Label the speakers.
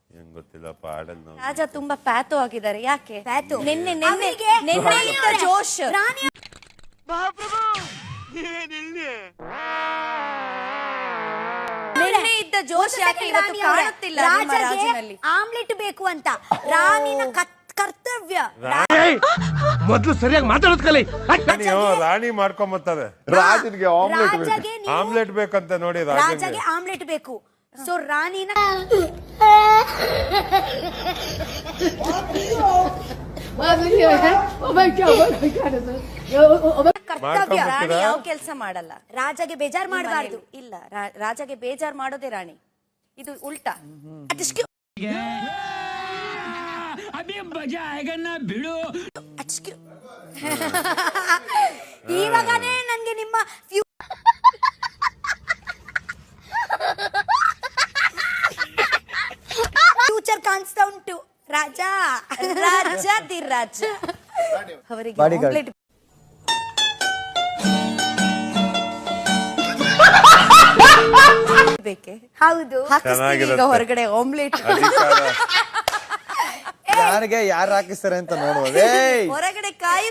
Speaker 1: ಏನ್ ಗೊತ್ತಿಲ್ಲಪ್ಪ ಆಡಲ್ ನಾವು.
Speaker 2: ರಾಜ ತುಂಬಾ ಪ್ಯಾಥೋ ಆಗಿದ್ದಾರೆ. ಯಾಕೆ
Speaker 3: ಪ್ಯಾಥೋ?
Speaker 2: ನಿನ್ನೆ ಇದ್ದ ಜೋಶ್. ನಿನ್ನೆ ಇದ್ದ ಜೋಶ್ ಯಾಕೆ ಇವತ್ತು ಕಾಣುತ್ತಿಲ್ಲ ನಿಮ್ಮ ರಾಜನಲ್ಲಿ?
Speaker 3: ಆಮ್ಲೆಟ್ ಬೇಕು ಅಂತ ರಾಣಿನ ಕರ್ತವ್ಯ.
Speaker 4: ಮೊದಲು ಸರಿಯಾಗಿ ಮಾತಾಡೋದ್ ಕಲಿ.
Speaker 1: ರಾಣಿ ಮಾಡ್ಕೊಂಬತ್ತಾರೆ.
Speaker 5: ರಾಜನಿಗೆ
Speaker 1: ಆಮ್ಲೆಟ್ ಬೇಕಂತ ನೋಡಿ.
Speaker 3: ರಾಜಗೆ ಆಮ್ಲೆಟ್ ಬೇಕು. ಸೊ ರಾಣಿನ ಕರ್ತವ್ಯ.
Speaker 2: ರಾಣಿ ಯಾವ ಕೆಲಸ ಮಾಡಲ್ಲ.
Speaker 3: ರಾಜಗೆ ಬೇಜಾರ್ ಮಾಡಬಾರ್ದು.
Speaker 2: ಇಲ್ಲ, ರಾಜಗೆ ಬೇಜಾರ್ ಮಾಡೋದೇ ರಾಣಿ. ಇದು ಉಲ್ಟಾ.
Speaker 3: ಇವಾಗನೇ ನನ್ಗೆ ನಿಮ್ಮ ಫ್ಯೂಚರ್ ಕಾಣಿಸ್ತಾ ಉಂಟು. ರಾಜ
Speaker 2: ರಾಜ ಅವರಿಗೆ ಆಮ್ಲೆಟ್ ಬೇಕೆ?
Speaker 3: ಹೌದು.
Speaker 2: ಹಾಕಿಸ್ತೀವಿ ಈಗ ಹೊರಗಡೆ ಆಮ್ಲೆಟ್.
Speaker 5: ಯಾರಿಗೆ ಯಾರು ಹಾಕಿಸ್ತಾರೆ ಅಂತ ನೋಡುವ.
Speaker 2: ಹೊರಗಡೆ ಕಾಯಿ